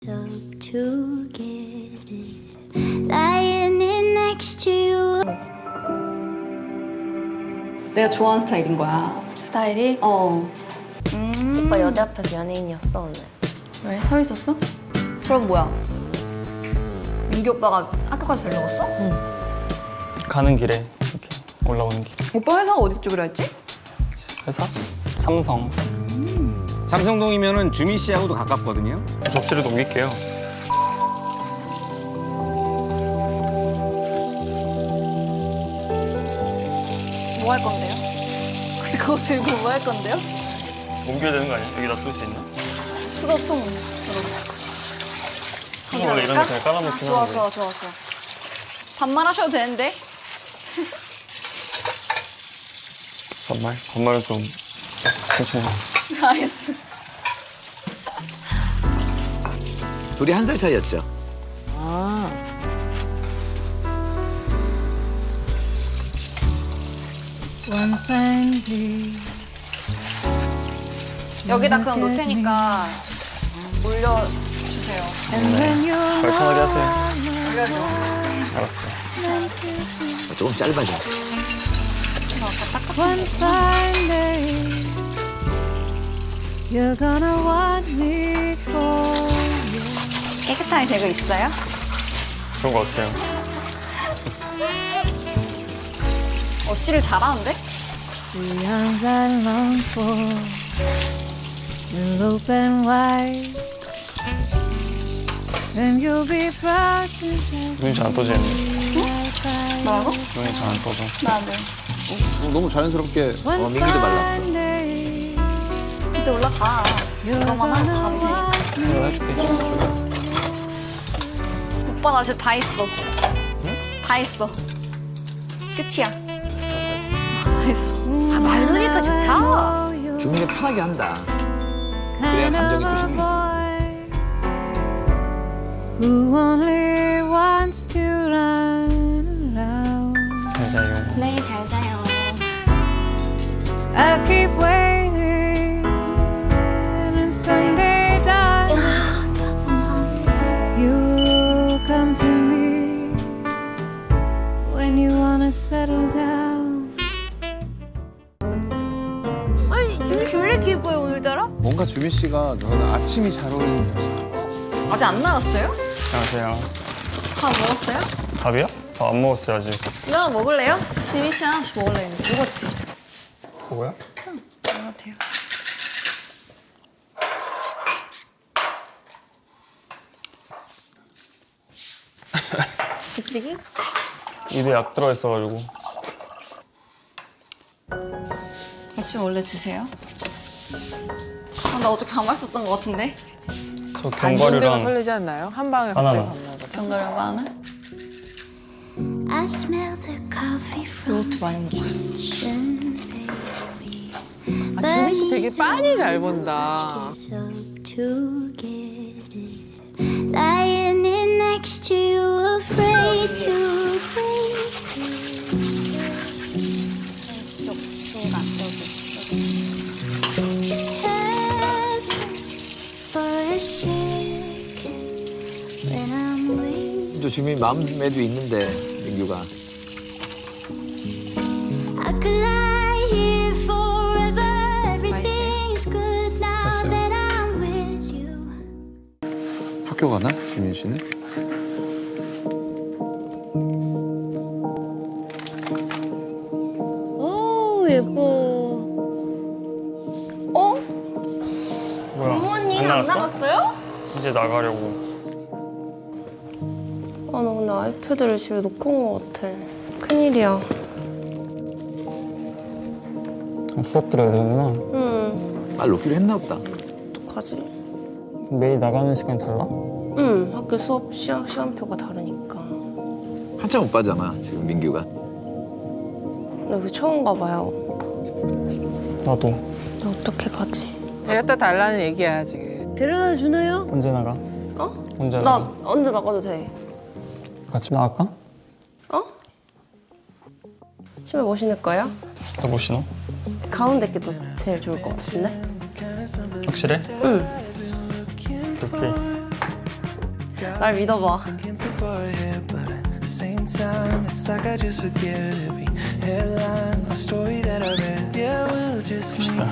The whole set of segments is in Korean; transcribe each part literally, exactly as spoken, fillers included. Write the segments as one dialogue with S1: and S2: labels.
S1: to get it, lying in next to you.
S2: 내가 좋아하는 스타일인 거야.
S3: 스타일이?
S2: 어.
S3: 음. 오빠 여대 앞에서 연예인이었어 오늘.
S2: 왜? 서 있었어? 그럼 뭐야? 민규 오빠가 학교까지 데려갔어?
S3: 응.
S4: 가는 길에 이렇게 올라오는 길.
S2: 오빠 회사가 어디 쪽이라 했지?
S4: 회사? 삼성.
S5: 삼성동이면은 주미 씨하고도 가깝거든요.
S4: 접시를 넘길게요.
S2: 뭐 할 건데요? 그거 들고 뭐 할 건데요?
S4: 옮겨야 되는 거 아니야? 여기 놔둘 수 있나?
S2: 수저통.
S4: 수저 원래 이런 거 그냥 깔아놓긴
S2: 좋아,
S4: 하는데.
S2: 좋아, 좋아, 좋아. 반말 하셔도 되는데?
S4: 반말? 반말은 좀 괜찮아.
S2: 알겠어.
S5: 둘이 한 살 차이였죠.
S2: 여기다 그럼 놓을 테니까 올려주세요.
S4: 깔끔하게 하세요. 알았어.
S5: 조금 짧아져.
S1: One fine day, you're gonna want me for you.
S2: 깨끗하게 되고 있어요?
S4: 그런 거 같아요.
S2: 어, 씨를 잘하는데?
S1: The arms I long for will open wide. Then you'll be proud to say
S4: 눈이 잘 안 떠지는데.
S2: 뭐라고?
S4: 눈이 잘 안 떠져.
S2: 나도.
S5: 너무 자연스럽게 어,
S1: one
S5: 민기도 말랐어.
S1: fine day,
S2: 이제 올라가.
S1: you're
S2: 이거만 하고 가면
S1: gonna
S2: 되니까.
S4: 내가 해줄게. 저쪽에서.
S2: 오빠 나 진짜 다 했어. 다 했어. 끝이야.
S4: 알았어.
S2: 다 했어. 아, 말르니까 좋다.
S5: 주미가 편하게 한다. 그래야 감정이 또 실리지.
S1: Who only wants to run around.
S4: 잘 자요.
S2: 네, 잘 자요.
S1: I keep waiting, and someday, darling, you'll come to me when you wanna settle down.
S2: 아니, 준비 씨 왜 이렇게 예뻐요, 오늘따라?
S6: 뭔가 주미 씨가 너는 아침이 잘 어울린다.
S2: 아직 안 나왔어요?
S4: 안녕하세요.
S2: 밥 먹었어요?
S4: 밥이요? 밥 안 먹었어요, 아직.
S2: 누나 먹을래요? 지미 씨 하나씩 먹을래 했는데. 먹었지?
S4: 뭐야?
S2: 것 같아요. 집시기?
S4: 입에 약 들어있어가지고.
S2: 아침 원래 드세요? 아, 나 어저께 밥 맛있었던 것 같은데?
S4: 저
S7: 안정되고
S4: 견과류랑
S7: 설레지 않나요? 한 방에
S4: 바나나.
S7: 갑자기 밥 먹어.
S2: 견과류하고 하나?
S1: I smell the coffee from
S2: 요거트 많이 먹어요.
S1: kitchen, baby.
S7: 아, 주미 씨 되게 빤히 잘 본다.
S1: Kiss up to get it. Lying in next to you, afraid to break for a second when I'm with
S5: 또 주미 마음에도 있는데 민규가.
S1: I could lie here forever.
S2: 맛있어요?
S1: Everything's good now
S4: 맛있어요.
S1: that I'm with you.
S6: 학교 가나? 주민 씨는?
S3: 오 예뻐.
S2: 어?
S4: 뭐야?
S2: 부모님
S4: 안
S2: 안
S4: 나갔어?
S2: 나갔어요?
S4: 이제 나가려고.
S3: 아 나 근데 아이패드를 집에 놓고 온 것 같아. 큰일이야.
S4: 어, 수업 들어야 되는구나.
S3: 응.
S5: 말 놓기로 했나 보다.
S3: 어떡하지?
S4: 매일 나가는 시간이 달라?
S3: 응. 학교 수업 시간, 시간표가 다르니까.
S5: 한참 오빠잖아 지금 민규가.
S3: 나 여기 처음 가봐요.
S4: 나도.
S3: 나 어떻게 가지?
S7: 데려다 달라는 얘기야 지금.
S3: 데려다 주나요?
S4: 언제 나가?
S3: 어?
S4: 언제
S3: 나
S4: 나가?
S3: 언제 나가도 돼?
S4: 같이 나갈까?
S3: 어? 신발 뭐 신을 거야?
S4: 다 못 신어?
S3: 가운데 게 더 제일 좋을 것 같은데?
S4: 확실해?
S3: 응.
S4: 오케이.
S3: 날 믿어봐.
S4: 멋있다.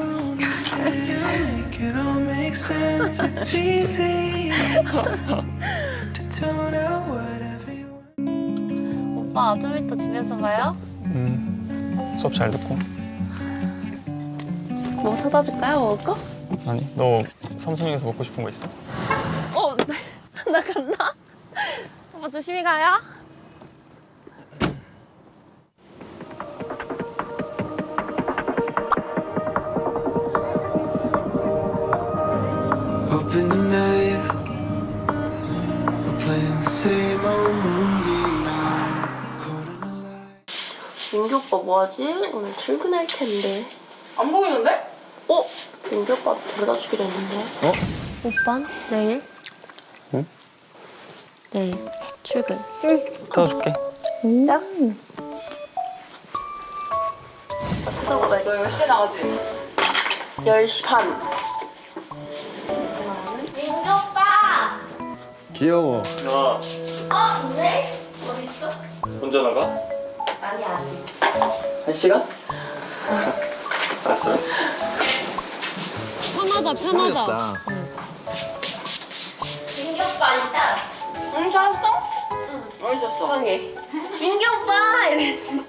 S3: 오빠 좀 이따 집에서 봐요.
S4: 음, 수업 잘 듣고.
S3: 뭐 사다 줄까요? 먹을 거?
S4: 아니, 너 삼성역에서 먹고 싶은 거 있어?
S3: 어, 나 간다. 오빠 조심히 가요.
S8: Up in the night, we're playing the same old movie now. Caught in a lie.
S3: 민규 오빠 뭐하지? 오늘 출근할 텐데.
S2: 안 보이는데?
S3: 어? 민규 오빠 데려다 주기로 했는데.
S6: 어?
S3: 오빠 내일?
S4: 응?
S3: 내일 출근.
S4: 태워줄게.
S3: 진짜? 나 쳐다보다
S2: 너 열 시에 나가지?
S3: 열 시 반.
S1: 민규 오빠!
S6: 귀여워.
S4: 나
S1: 어? 네? 어디 있어?
S4: 혼자 나가?
S1: 아니 아직.
S4: 한 시간? 알았어, 알았어.
S3: 편하다 편하다.
S5: 다
S1: 민규 오빠 아니다.
S2: 응, 찾았어? 응. 어디 있었어?
S3: 편하게.
S1: 민규 오빠! 이랬지.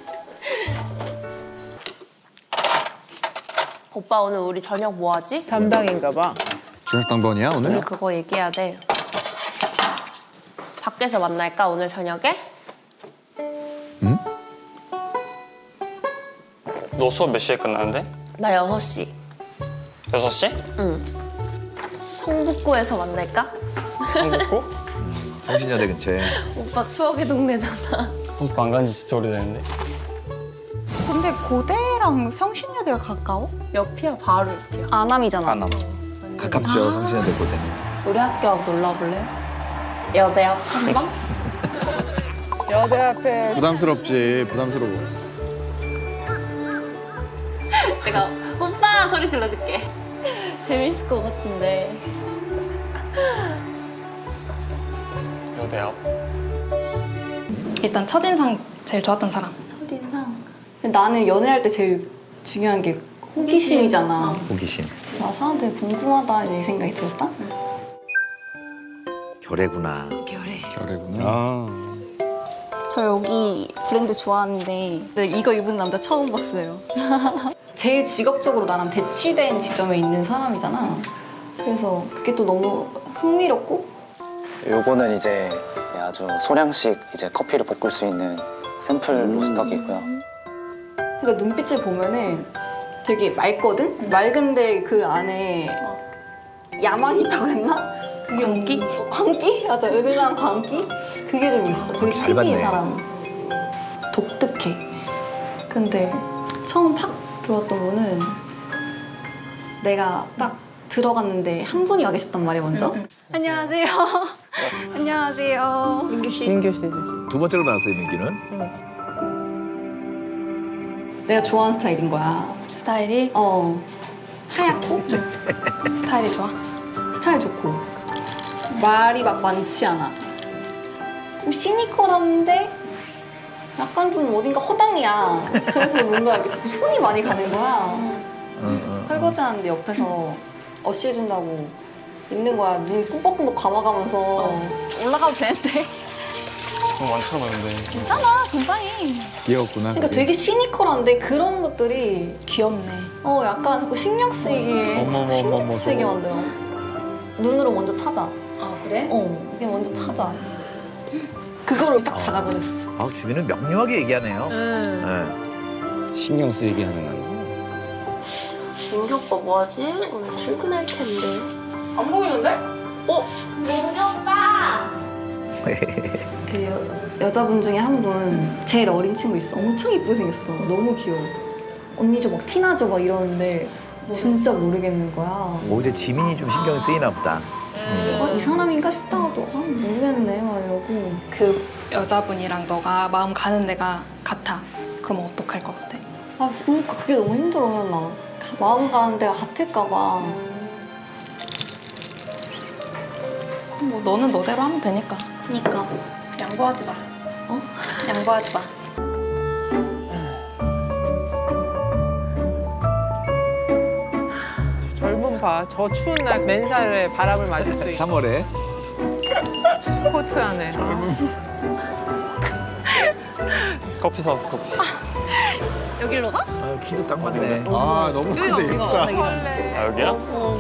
S3: 오빠 오늘 우리 저녁 뭐 하지?
S7: 담당인가 봐.
S6: 저녁 당번이야
S3: 우리
S6: 오늘?
S3: 그거 얘기해야 돼. 밖에서 만날까 오늘 저녁에?
S6: 응?
S4: 너 수업 몇 시에 끝나는데?
S3: 나 여섯 시.
S4: 여섯 시?
S3: 응. 성북구에서 만날까?
S4: 성북구?
S5: 성신여대 근처에.
S3: 오빠 추억의 동네잖아.
S4: 오빠 안 간지 진짜 오래됐는데.
S2: 근데 고대랑 성신여대가 가까워?
S3: 옆이야 바로 옆이야. 아남이잖아.
S5: 안암. 가깝죠, 성신여대 고대.
S3: 우리 학교 앞 놀러볼래? 여대 앞 한방?
S7: 여대 앞에
S6: 부담스럽지, 부담스러워.
S3: 내가 오빠 소리 질러줄게. 재밌을 것 같은데.
S4: 여대 앞.
S9: 일단 첫인상 제일 좋았던 사람.
S2: 첫인상. 나는 연애할 때 제일 중요한 게 호기심이잖아.
S5: 호기심.
S2: 나 사람들 궁금하다 이 생각이 들었다?
S5: 결애구나.
S6: 결애구나.
S5: 아.
S2: 저 여기 브랜드 좋아하는데 근데 이거 입은 남자 처음 봤어요. 제일 직업적으로 나랑 대치된 지점에 있는 사람이잖아. 그래서 그게 또 너무 흥미롭고
S10: 요거는 이제 아주 소량씩 이제 커피를 볶을 수 있는 샘플 로스터기고요.
S2: 그러니까 눈빛을 보면은 되게 맑거든? 맑은데 그 안에 야망이 있다고 했나? 그게 광기? 어, 광기? 맞아, 은은한 광기? 그게 좀 있어. 되게
S5: 잘
S2: 특이해,
S5: 봤네.
S2: 사람. 독특해. 근데 처음 팍 들어왔던 분은 내가 딱 들어갔는데 한 분이 와 계셨단 말이야, 먼저. 안녕하세요. 안녕하세요. 민규 씨.
S7: 민규 씨지.
S5: 두 번째로 나왔어요, 민규는.
S2: 내가 좋아하는 스타일인 거야.
S3: 스타일이
S2: 어.
S3: 하얗고 스타일이 좋아.
S2: 스타일 좋고 말이 막 많지 않아. 좀 시니컬한데 약간 좀 어딘가 허당이야. 그래서 뭔가 이렇게 자꾸 손이 많이 가는 거야. 설거지하는데 옆에서 어시해준다고 있는 거야. 눈 꿈뻑꿈뻑 감아가면서 올라가도 되는데
S4: 돈 많잖아, 근데.
S2: 괜찮아, 금방이.
S6: 귀엽구나.
S2: 그러니까
S6: 그게.
S2: 되게 시니컬한데 그런 것들이
S9: 귀엽네.
S2: 어 약간 자꾸 신경 쓰이게
S6: 어머,
S2: 자꾸
S6: 어머,
S2: 신경
S6: 어머,
S2: 쓰이게
S6: 저거.
S2: 만들어. 눈으로 먼저 찾아.
S3: 아 그래?
S2: 어, 이게 먼저 찾아. 그거를 딱 잡아버렸어.
S5: 아, 주민은 명료하게 얘기하네요.
S7: 응.
S5: 네.
S6: 신경 쓰이게 하는 거.
S3: 민규 오빠 뭐하지? 오늘 출근할 텐데.
S2: 안 보이는데? 어?
S1: 민규 오빠!
S2: 그 여, 여자분 중에 한 분 제일 어린 친구 있어. 엄청 이쁘게 생겼어. 너무 귀여워. 언니 저 막 티나죠? 막 이러는데 진짜 모르겠는 거야.
S5: 오히려 지민이 좀 신경 쓰이나 보다. 주민이.
S2: 아, 이 사람인가 싶다가도 아, 모르겠네 막 이러고.
S9: 그 여자분이랑 너가 마음 가는 데가 같아. 그럼 어떡할 것 같아?
S2: 아 그러니까 그게 너무 힘들어. 나 마음 가는 데가 같을까 봐.
S9: 뭐 너는 너대로 하면 되니까.
S2: 그니까.
S9: 양보하지 마.
S2: 어? 양보하지 마.
S7: 젊은 봐. 저 추운 날 맨살에 바람을 맞을 수 있고
S5: 삼월에
S7: 코트 안에.
S4: 커피 사왔어 커피.
S2: 여기로 가?
S5: 아, 키도 딱 맞네. 아 너무
S2: 여기가
S5: 크다
S2: 우리가
S5: 예쁘다.
S7: 설레.
S4: 아 여기야?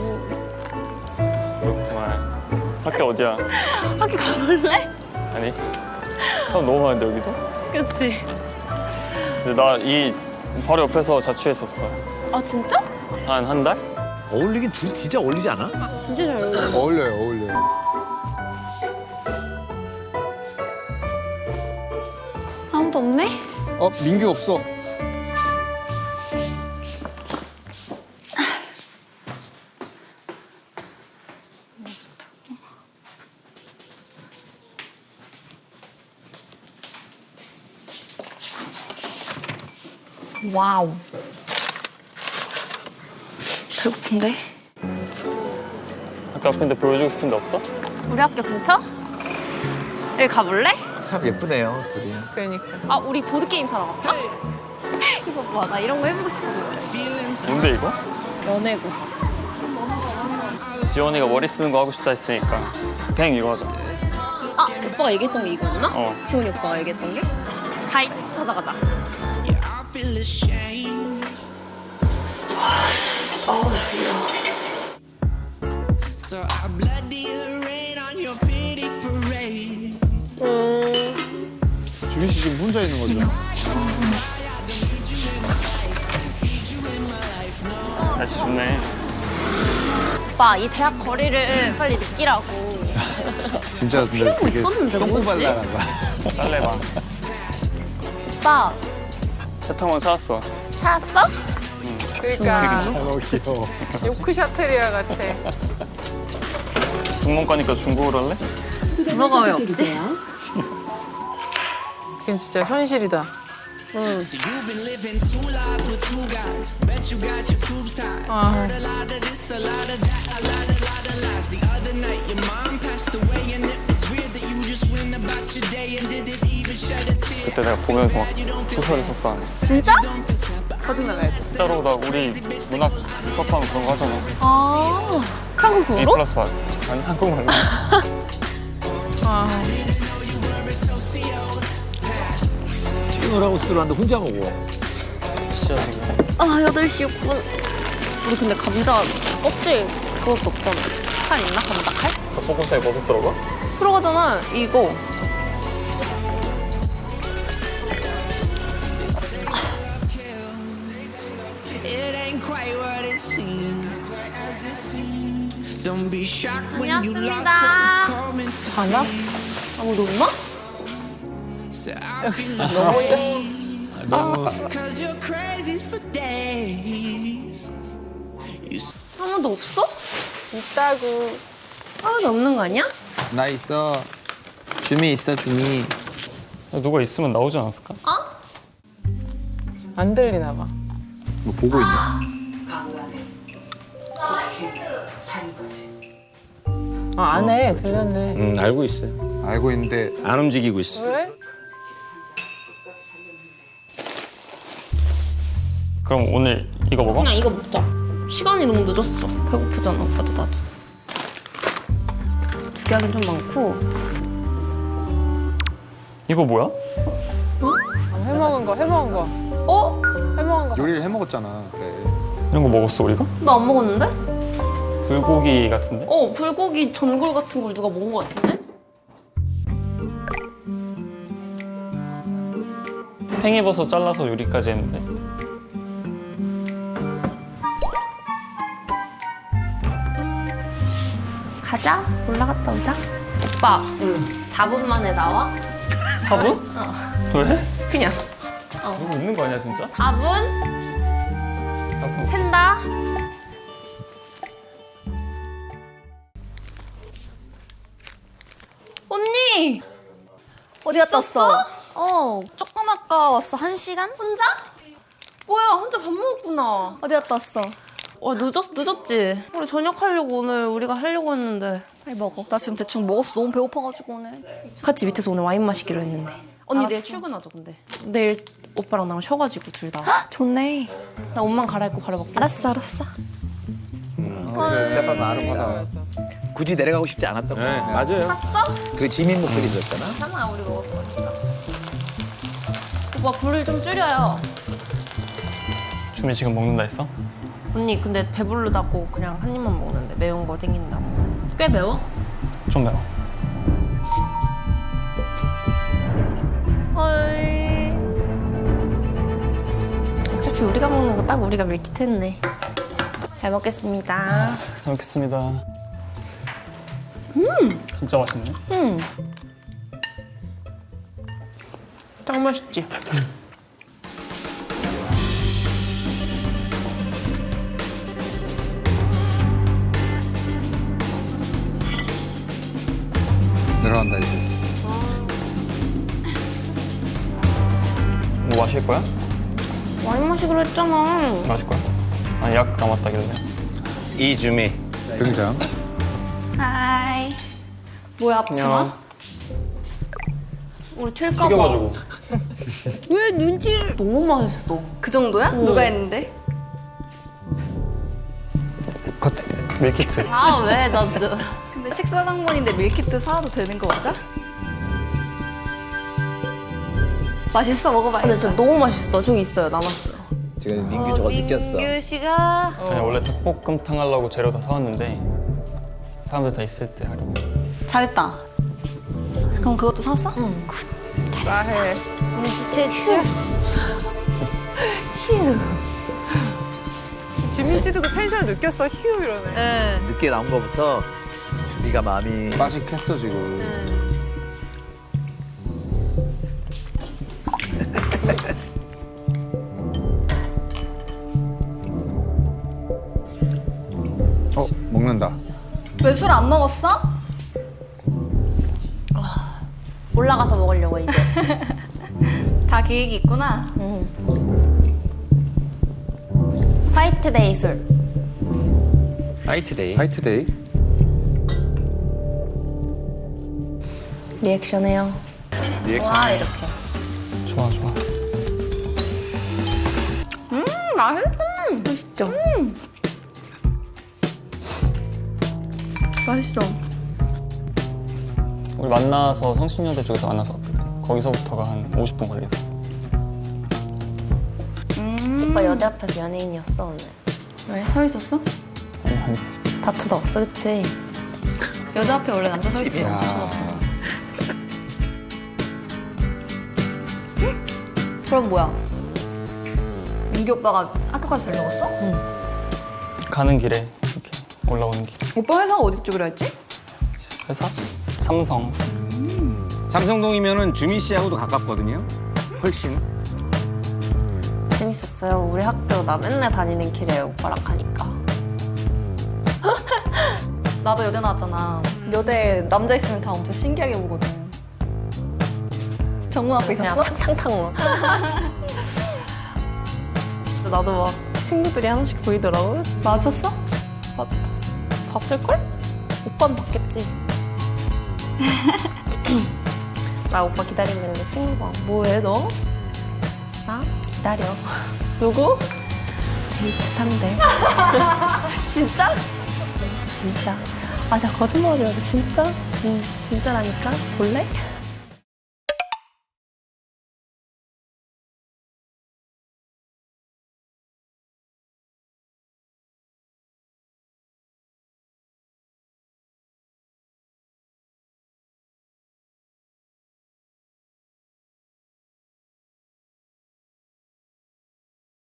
S4: 그렇구만. 학교 어디야?
S2: 학교 가볼래?
S4: 아니. 사람 너무 많은데 여기도?
S2: 그치.
S4: 근데 나 이 바로 옆에서 자취했었어.
S2: 아 진짜?
S4: 한 한 달?
S5: 어울리긴 둘이 진짜 어울리지 않아?
S2: 진짜 잘 어울려.
S6: 어울려요, 어울려요.
S2: 아무도 없네?
S6: 어, 민규 없어.
S2: 와우. 배고픈데?
S4: 학교 앞인데 보여주고 싶은 데 없어?
S2: 우리 학교 근처? 여기 가볼래?
S5: 참 예쁘네요 둘이.
S7: 그러니까.
S2: 아 우리 보드게임 사러 갈까? 이거 봐, 나 이런 거 해보고 싶거든.
S4: 뭔데 이거?
S2: 연애고.
S4: 지원이가 머리 쓰는 거 하고 싶다 했으니까 그냥 이거 하자.
S2: 아 오빠가 얘기했던 게 이거였나?
S4: 어.
S2: 지원이 오빠가 얘기했던 게? 다이 찾아가자.
S8: I feel ashamed. So I bloody the rain on your pity parade.
S6: 주민 씨 지금 혼자 있는 거죠?
S4: 날씨 좋네.
S2: 오빠 이 대학 거리를 빨리 느끼라고.
S6: 진짜 근데
S2: 필요한 거
S6: 되게
S2: 있었는데 뭐지?
S5: 똥발랄한 거야.
S4: 딸래봐.
S2: 오빠
S4: 세탁망 찾았어.
S2: 찾았어?
S7: 그러니까
S6: 어, 귀여워.
S7: 요크샤테리아 같아.
S4: 중문 가니까 중국어로 할래?
S2: 뭐가 왜 없지?
S7: 그게 진짜 현실이다.
S8: So you've been living two lives with two guys. Bet you got your tubes tied.
S7: 아,
S8: Heard a lot of this, a lot of that, a lot, a lot of lies. The other night your mom passed away and it was weird that you just went about your day and didn't even shed a tear.
S4: 그때 내가 보면서 막 소설을 썼어.
S2: 진짜? 거짓말 말고.
S4: 진짜로 나 우리 문학 수업하면 그런 거 하잖아.
S2: 아
S4: A
S2: 한국어로?
S4: 플러스 봤어. 아니 한국말로.
S7: 아,
S5: 튀노라우스로 하는데 혼자 먹어.
S4: 시야 지금.
S2: 아 여덟 시 육 분. 우리 근데 감자 껍질 그것도 없잖아. 칼 있나? 감자 칼?
S4: 닭볶음탕에 버섯 들어가?
S2: 들어가잖아 이거.
S8: It ain't quite what it seems. Don't be shocked when you lost what you call me to.
S2: 가나? 아무도 없나?
S8: So I feel
S5: 너무
S8: cause you're crazy for days. You
S2: 아무도 없어?
S7: 있다고.
S2: 아무도 없는 거 아니야?
S6: 나 있어. 주미 있어, 주미.
S4: 누가 있으면 나오지 않았을까?
S7: 안 들리나 봐.
S5: 뭐 보고 있냐?
S7: 아, 안 해. 들렸네.
S6: 응, 알고 있어요. 알고 있는데 안 움직이고 있어.
S7: 왜?
S4: 그럼 오늘 이거 먹어?
S2: 그냥 이거 먹자. 시간이 너무 늦었어. 배고프잖아 오빠도 나도. 두 개 하긴 좀 많고.
S4: 이거 뭐야?
S7: 아, 해먹은 거, 해먹은 거.
S2: 어?
S7: 해먹은 거.
S6: 요리를 해 먹었잖아. 그래.
S4: 이런 거 먹었어 우리가?
S2: 나 안 먹었는데?
S4: 불고기 같은데?
S2: 어 불고기 전골 같은 걸 누가 먹은 거 같은데?
S4: 팽이버섯 잘라서 요리까지 했는데.
S2: 가자. 올라갔다 오자. 오빠. 응. 사 분 만에 나와?
S4: 사 분?
S2: 어.
S4: 왜?
S2: 그냥.
S4: 누구 있는 거 아니야 진짜?
S2: 사 분?
S4: 사 분.
S2: 샌다. 언니! 어디 갔다 왔어?
S9: 어, 조금 아까 왔어. 한 시간?
S2: 혼자? 뭐야 혼자 밥 먹었구나.
S9: 어디 갔다 왔어?
S3: 와 늦었, 늦었지? 우리 저녁 하려고 오늘 우리가 하려고 했는데.
S2: 빨리 먹어. 나 지금 대충 먹었어. 너무 배고파가지고 오늘.
S3: 같이 밑에서 오늘 와인 마시기로 했는데. 언니
S2: 알았어.
S3: 내일 출근하죠 근데. 내일 오빠랑 나랑 쉬어가지고 둘 다.
S2: 좋네.
S3: 나 옷만 갈아입고 바로 먹자.
S2: 알았어, 알았어.
S5: 제발 마름하다. 굳이 내려가고 싶지 않았던 거야.
S6: 네, 맞아요.
S5: 그 지민 목소리 들었잖아.
S3: 괜찮아 우리 먹을 거니까. 오빠 불을 좀 줄여요.
S4: 주미 지금 먹는다 했어?
S3: 언니 근데 배부르다고 그냥 한 입만 먹는데 매운 거 땡긴다고. 꽤 매워?
S4: 좀 매워.
S3: 헐. 어차피 우리가 먹는 거 딱 우리가 밀키트 했네. 잘 먹겠습니다.
S4: 잘 먹겠습니다. 음! 진짜 맛있네.
S3: 음. 딱 맛있지?
S6: 내려간다 이제.
S4: 뭐 마실 거야?
S3: 와인 마시기로 했잖아.
S4: 마실 거야? 아니 약 남았다길래.
S5: 이주미.
S6: 등장.
S2: 하이. 뭐야, 앞치마?
S3: 우리 튈까 봐.
S4: 튀겨가지고.
S3: 왜 눈치를? 너무 맛있어.
S2: 그 정도야? 누가 했는데?
S4: 밀키트.
S3: 아 왜? 나 너.
S2: 근데 식사 당번인데 밀키트 사와도 되는 거 맞아? 맛있어, 먹어봐야겠다.
S3: 근데 진짜 너무 맛있어. 저기 있어요. 남았어요.
S5: 지금 민규 저거 느꼈어.
S3: 민규 씨가
S4: 아니 원래 닭볶음탕 하려고 재료 다 사왔는데 사람들 다 있을 때 하려고.
S2: 잘했다. 그럼 그것도 샀어?
S3: 응.
S2: 굿.
S7: 싸해.
S3: 눈치챘죠? 휴.
S7: 지민 씨도 그 텐션 느꼈어. 휴 이러네.
S3: 네.
S5: 늦게 나온 거부터 주미가 마음이
S6: 빠식했어 지금. 어 먹는다.
S2: 왜 술 안 먹었어?
S3: 올라가서 먹으려고 이제.
S2: 다 계획이 있구나.
S3: 응. 화이트데이 술.
S5: 화이트데이.
S6: 화이트데이.
S3: 리액션해요.
S5: 리액션.
S3: 와 이렇게.
S4: 좋아 좋아.
S3: 음 맛있어. 맛있죠? 음. 맛있어.
S4: 우리 만나서 성신여대 쪽에서 만나서 왔거든. 거기서부터가 한 오십 분 걸리서.
S3: 오빠 여대 앞에서 연예인이었어 오늘.
S2: 왜? 서 있었어?
S4: 아니 아니.
S3: 다트도 없어 그치?
S2: 여자 앞에 원래 남자 서 있으면 엄청 쳐다보잖아. 그럼 뭐야? 민규 오빠가 학교까지 데려갔어?
S4: 가는 길에 이렇게 올라오는 길.
S2: 오빠 회사가 어디 쪽이라 했지?
S4: 회사? 삼성.
S11: 삼성동이면은 주미 씨하고도 가깝거든요. 훨씬.
S3: 재밌었어요. 우리 학교 나 맨날 다니는 길에 오빠랑 가니까.
S2: 나도 여대 나왔잖아. 여대 남자 있으면 다 엄청 신기하게 보거든. 정문 앞에
S3: 그냥
S2: 있었어?
S3: 탕탕탕 막. 나도 막 친구들이 하나씩 보이더라고.
S2: 맞췄어?
S3: 봤, 봤, 봤을걸? 오빠는 봤겠지. 나 오빠 기다리고 있는데 친구가 뭐해 너? 나 기다려. 누구? 데이트 상대.
S2: 진짜?
S3: 진짜. 아, 자 거짓말이야. 진짜? 응, 진짜라니까. 볼래?